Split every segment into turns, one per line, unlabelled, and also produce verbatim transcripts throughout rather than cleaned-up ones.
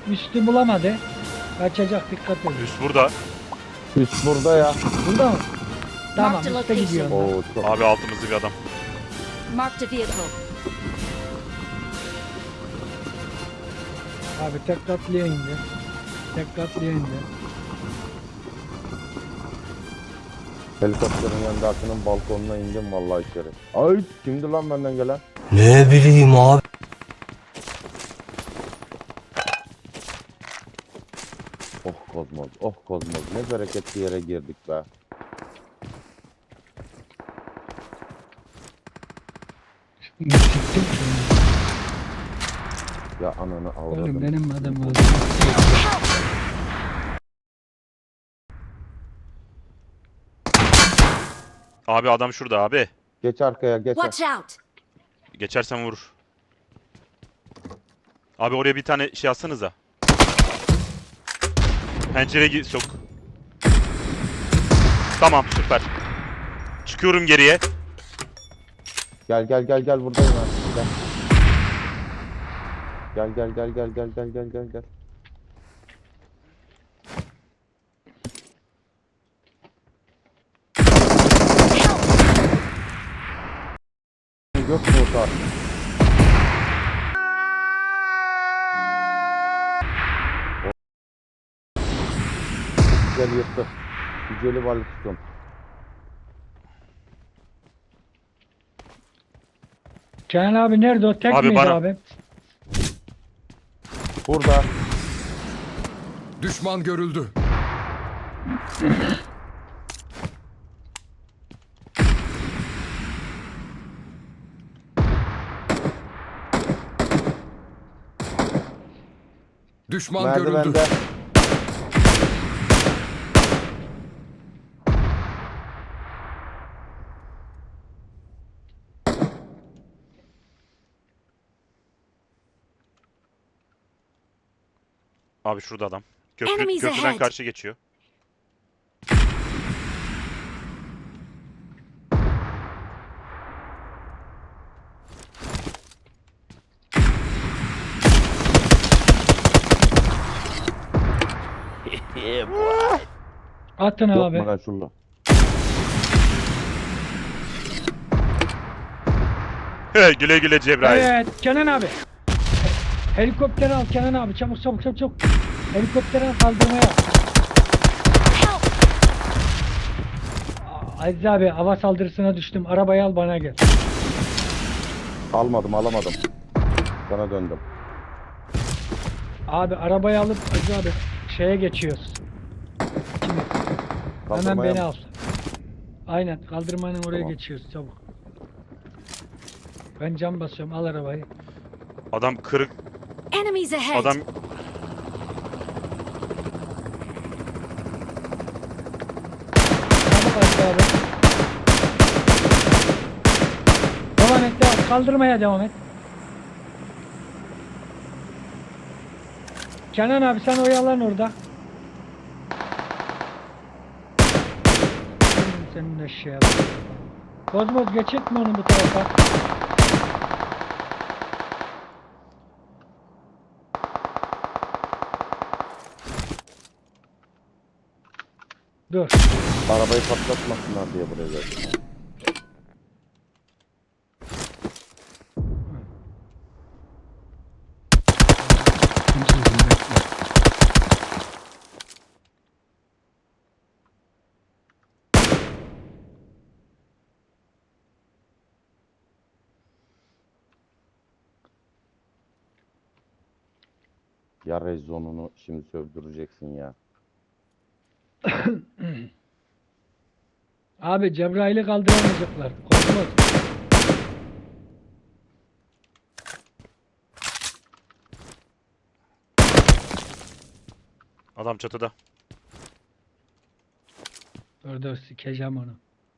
Üstü bulamadı. Kaçacak, dikkat edin.
Üst burada.
Üst burada ya.
Burada mı? Tamam,
Marked
üstte
location.
gidiyor onlar.
Oo çok.
Abi altımızda bir adam.
Marked a vehicle.
Abi tek katlıya indi. Tek katlıya indi.
Helikopterin yanındakinin balkonuna indim vallahi içeri. Ay kimdi lan benden gelen?
Ne bileyim abi.
Oh Kozmoz, oh Kozmoz. Ne bereketli yere girdik be.
Siktim.
Ya ananı avradım.
Oğlum benim adım oldu.
Abi adam şurada abi.
Geç arkaya geç.
Watch out!
Geçersen vurur. Abi oraya bir tane şey atsanıza. Pencereye gi- sok. Tamam süper. Çıkıyorum geriye.
Gel gel gel gel buradayım ben. Gel. Gel gel gel gel gel gel gel gel gel. Yok mu o tarz? Güzel yırttı. Güzeli varlık tutun.
Kenan abi nerede o? Tek
Abi
miydi
bana-
abi?
Burada.
Düşman görüldü. Düşman görüldü.
Merdivende.
Abi şurada adam. Köprü,
Enemies
köprüden
ahead.
karşı geçiyor.
Atın
Yok
abi.
mu lan şurada?
He, güle güle Cebrail.
Evet Kenan abi. Helikopteri al Kenan abi, çabuk çabuk çabuk çabuk. Helikopteri al, kaldırmaya.
Help!
Aa, Aziz abi, hava saldırısına düştüm. Arabayı al, bana gel.
Almadım alamadım. Sana döndüm.
Abi arabayı alıp Aziz abi şeye geçiyoruz. Şimdi hemen
Kaldırmaya
beni
mı?
al. Aynen, kaldırmanın oraya
Tamam.
geçiyoruz çabuk. Ben cam basıyorum, al arabayı.
Adam kırık.
Enemies ahead!
Adam
Çabuk Aziz abi. Devam et, devam. Kaldırmaya devam et. Kenan abi sen oyalan orada. Hmm, Senin eşeğe bak. Kozmoz geçecek mi onu bu tarafa? Dur.
Arabayı patlatmasınlar diye buraya geldim. Ya rezonunu şimdi sövdüreceksin ya.
Abi Cebrail'i kaldıramayacaklar. Kozmoz.
adam çatıda.
Dur dur, sikeceğim onu.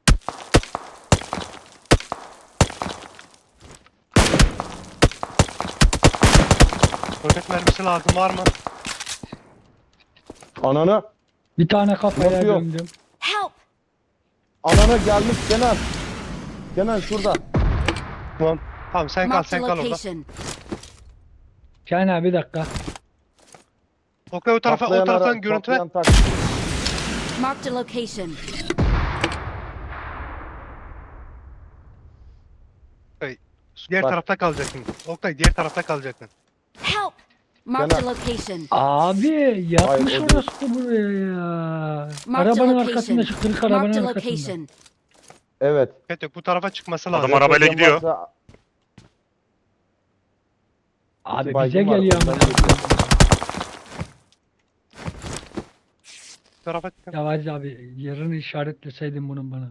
Roket mermisi lazım var mı?
Ananı.
Bir tane kafaya
Nasıl yok?
gömdüm.
Help!
Ananı gelmiş Kenan. Kenan şurada.
Tamam. Tamam sen kal
Marked a
sen kal orada.
location.
Kenan abi bir dakika.
Oktay o tarafa, o
Patlayan ara-
taraftan görüntü ver.
patlayan taksi.
Marked a location.
Diğer
Bak.
tarafta kalacaksın. Oktay diğer tarafta kalacaksın.
Help! Marked a
Gene-
location.
Abi yapmış
Hayır, o
orası buraya ya.
Marked a
Arabanın
location.
arkasında şu kırık
Marked
arabanın
a
arkasında.
location.
Evet.
Evet yok bu tarafa çıkması lazım.
Adam arabayla
Depodan
gidiyor.
varsa-
Abi
İki
bize
baygın var,
geliyor
ondan
ama.
geliyor.
Bu tarafa çıkın.
Ya Aziz abi yerini işaretleseydin bunun bana.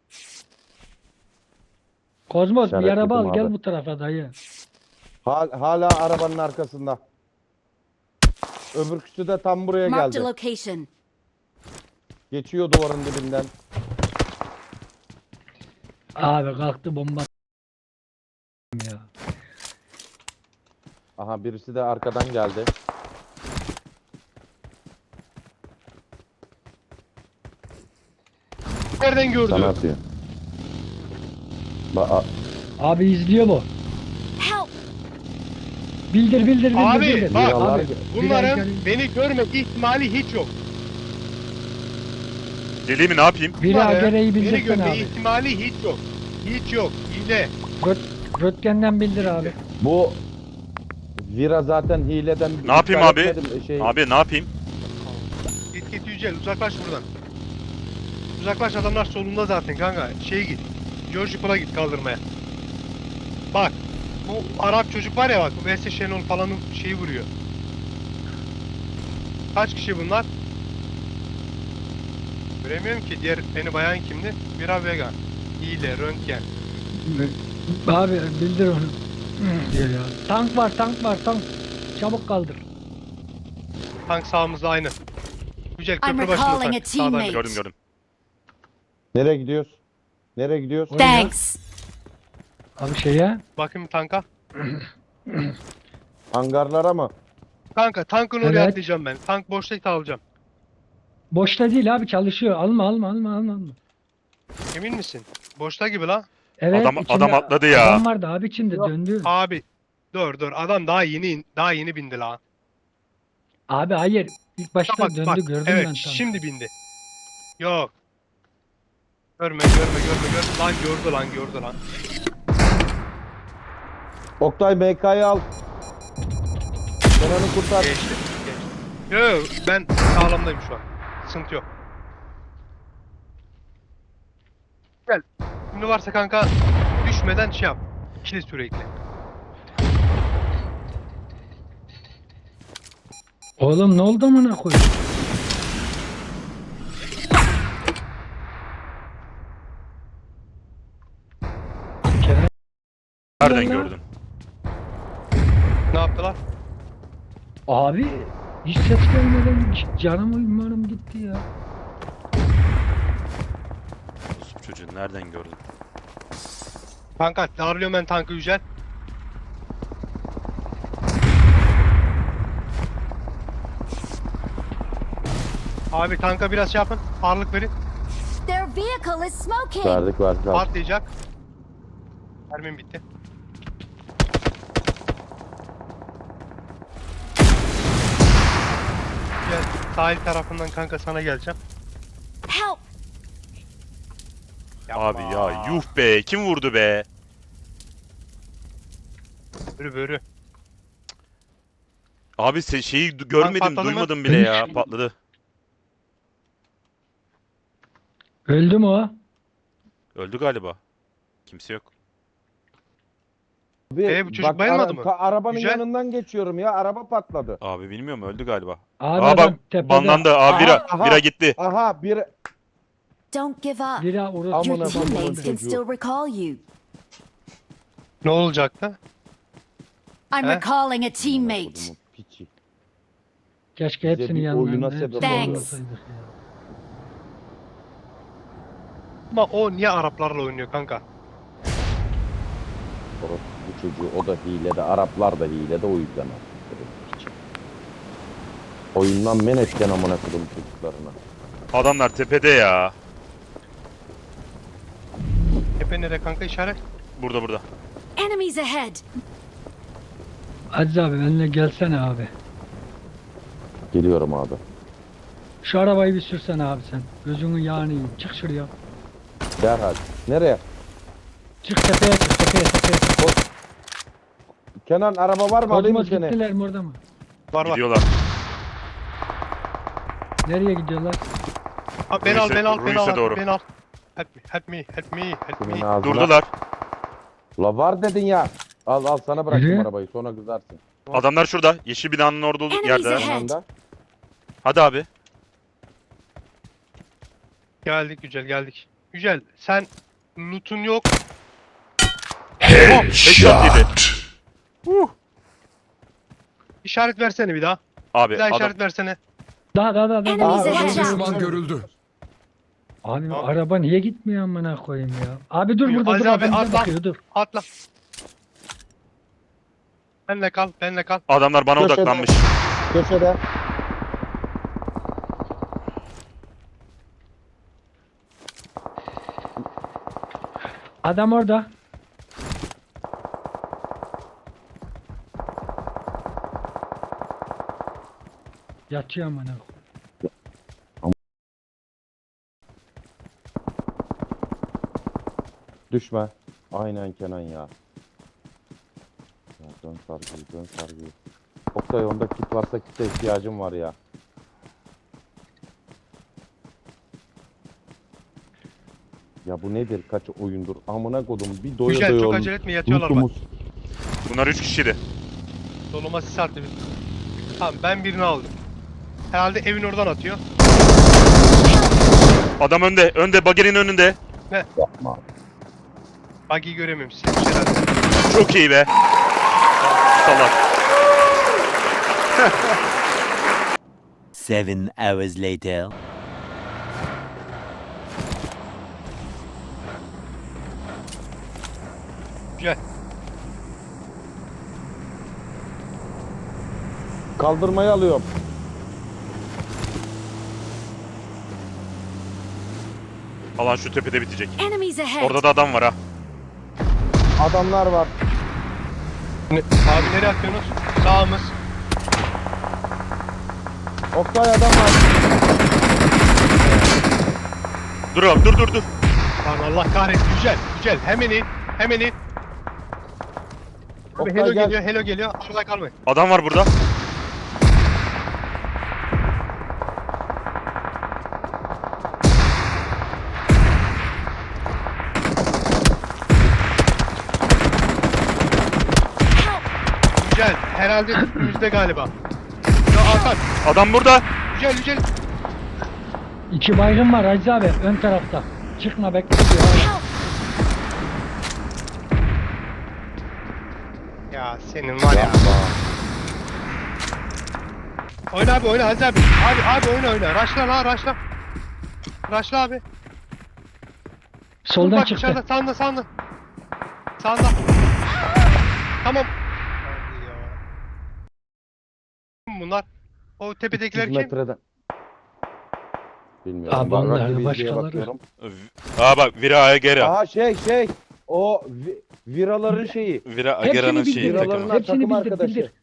Kozmos bir
İşaretledim
araba al gel
abi.
bu tarafa dayı.
Hal- hala arabanın arkasında. Öbürküsü de tam buraya
Marked a
geldi.
location.
Geçiyor duvarın dibinden.
Abi kalktı bomba ya.
Aha birisi de arkadan geldi.
Nereden gördü?
Sana atıyor. Ba a-
Abi izliyor bu.
Help!
Bildir bildir bildir
Abi,
bildir.
bak.
Biralar
Abi,
ge-
Bunların
Biri-
beni görme ihtimali hiç yok.
Deli mi ne yapayım?
Biri
Bunların
gereği
beni
bildirsen
görme
abi.
ihtimali hiç yok. Hiç yok. Hile.
Röt, röntgenden bildir abi.
Bu Vira zaten hileden
Ne yapayım
iptal
abi?
etmedim, Şey,
Abi ne yapayım?
Git git Yücel uzaklaş buradan. Uzaklaş adamlar solunda zaten kanka. Şey git. George Pool'a git kaldırmaya. Bak. Bu Arap çocuk var ya bak. Vese Şenol falanın şeyi vuruyor. Kaç kişi bunlar? Göremiyorum ki. Diğer beni bayan kimdi? Mira Vega. Hile, röntgen.
Abi bildir onu. Diyor ya. Tank var tank var tank. Çabuk kaldır.
Tank sağımızda aynı. Yücel
I'm
köprü başında
recalling a
tank. Sağdan.
teammate.
Gördüm gördüm.
Nereye gidiyoruz? Nereye gidiyoruz?
Oraya.
Thanks.
Abi şeye.
Bakayım tanka.
Hangarlara mı?
Kanka tankın oraya
Evet.
atlayacağım ben. Tank boşta alacağım.
Boşta değil abi çalışıyor. Alma alma alma alma. alma.
Emin misin? Boşta gibi la.
Evet,
Adam-
içinde
adam atladı ya.
Adam vardı abi içinde
Yok.
döndü.
Abi. Dur dur adam daha yeni in- daha yeni bindi la.
Abi hayır. İlk başta
Bak
döndü
bak.
gördüm
Evet
ben tankı.
şimdi bindi. Yok. Görme görme görme görme. Lan gördü lan gördü lan.
Oktay M K'yı al. Sen onu kurtar.
Geçti. Geçti. Yok ben sağlamdayım şu an. Sıkıntı yok. Gel. Şimdi varsa kanka düşmeden şey yap. İkili sürekli.
Oğlum ne oldu amına koyayım? Kerem
Nereden
Vallahi-
gördün?
Ne yaptılar?
abi hiç ses gelmeden canım umarım gitti ya.
Yusuf çocuğu nereden gördün?
Kanka darlıyorum ben tankı Yücel. Abi tanka biraz şey yapın. Ağırlık verin.
Their vehicle is smoking.
Verdik verdik. verdik.
Patlayacak. Mermim bitti. Gel sahil tarafından kanka sana geleceğim.
Help!
Yapma.
Abi ya yuh be kim vurdu be?
Börü börü.
Abi se- şeyi du- görmedim
patladı mı?
duymadım bile ya patladı.
Öldü mü o?
Öldü galiba. Kimse yok.
Abi,
Ee, bu çocuk bayılmadı mı?
ta- arabanın
Güzel.
yanından geçiyorum ya. Araba patladı.
Abi bilmiyorum öldü galiba.
Abi
Aa
adam
bak
tepede.
banlandı. Aa
Aha,
Vira,
aha.
Vira gitti.
Aha bir
Don't give up.
Biri orası.
Your
Amına koyayım
teammates can
çocuğu.
still recall you.
Ne olacaktı?
I'm
He?
recalling a teammate.
Kodumun piçi.
Keşke
Bize
hepsini
bir
yanlarına.
oyuna
hepsini
sebep
Thanks.
olsaydık ya.
Ama o niye Araplarla oynuyor kanka?
Orası bu çocuğu o da hilede. Araplar da hilede o yüzden. Piçi. Oyundan men etken amına kodum çocuklarına.
Adamlar tepede ya.
Tepe nere kanka işaret?
Burada burada.
Enemies ahead.
Aziz abi benimle gelsene abi.
Geliyorum abi.
Şu arabayı bir sürsene abi sen. Gözünün yağını yiyeyim. Çık şuraya.
Derhal. Nereye?
Çık tepeye çık tepeye tepeye.
Kenan araba var mı? Alayım mı
Kozmos
seni?
gittiler mi orada mı?
Var var.
Gidiyorlar.
Nereye gidiyorlar?
Ha, beni al
Ruiz'e-
beni al beni
Ruiz'e
al.
doğru.
Beni al. Help me help me help me help
Kimin
me.
ağzına?
Durdular.
La var dedin ya. Al al sana bıraktım
Yürü.
arabayı sonra kızarsın.
Adamlar şurada. Yeşil binanın orada olduğu
Enemies
yerde.
ahead.
Yanında.
Hadi abi.
Geldik Yücel geldik. Yücel sen loot'un yok.
Headshot yedi.
İşaret versene bir daha.
Abi
Bir daha
adam,
işaret versene.
Daha daha daha daha.
Enemies
daha.
ahead.
Düşman görüldü.
Abi
Tamam.
araba niye gitmiyor amına koyayım ya? Abi dur
Buyur,
burada
Aziz
dur
abi,
adam bize
atla.
bakıyor dur.
Atla. Benle kal benle kal.
adamlar bana
Köşede.
odaklanmış.
Köşede.
Adam orada. Yatıyor amına koyayım.
Düşme. Aynen Kenan ya. Ya dön sargıyı dön sargıyı. Oktay onda kit varsa kite ihtiyacım var ya. Ya bu nedir? Kaç oyundur? Amına kodum bir doya
Yücel
doya
çok
olmuş.
acele etme yatıyorlar bak.
Lootumuz.
Bunlar üç kişiydi.
Soluma sis attı bir. Tamam ben birini aldım. Herhalde evin oradan atıyor.
Adam önde. Önde. Bagerin önünde.
Yapma.
Buggy'i göremiyorum. Silmiş herhalde.
Çok iyi be. Salak.
Seven hours later.
Yücel.
Kaldırmayı alıyorum.
Alan şu tepede bitecek.
Enemies ahead.
Orada da adam var ha.
Adamlar var.
Ne- Abi nereye atıyorsunuz? Sağımız.
Oktay adam var.
Dur abi dur dur dur.
Lan Allah kahretsin Yücel. Yücel hemen in. Hemen in. Abi
Oktay
Hello
gel.
geliyor, Hello geliyor. Şurada kalmayın.
Adam var burada.
Yücel herhalde üstümüzde galiba. Ya Hakan.
Adam burada.
Yücel Yücel.
İki baygın var Aziz abi ön tarafta. Çıkma bekle diyor.
Help.
Ya senin var ya.
Yapma.
Oyna abi oyna Aziz abi. Abi abi oyna oyna. Raşla la raşla. Raşla abi.
Soldan
Bak
çıktı.
dışarıda sağında sağında. Sağında. Tamam. Hadi ya. Kim bunlar? O tepedekiler
yüz
kim?
metreden. Bilmiyorum.
Abi
Ben
onlar
rakibi izleye
başkaları.
bakıyorum.
Aa bak Vira Agera.
Aha şey şey. O vi- viraların şeyi.
Vira
Hepsini
Agera'nın
bildir.
şeyi
Viraların
takımı.
Hepsini
takım
bildir,
arkadaşı.
bildir.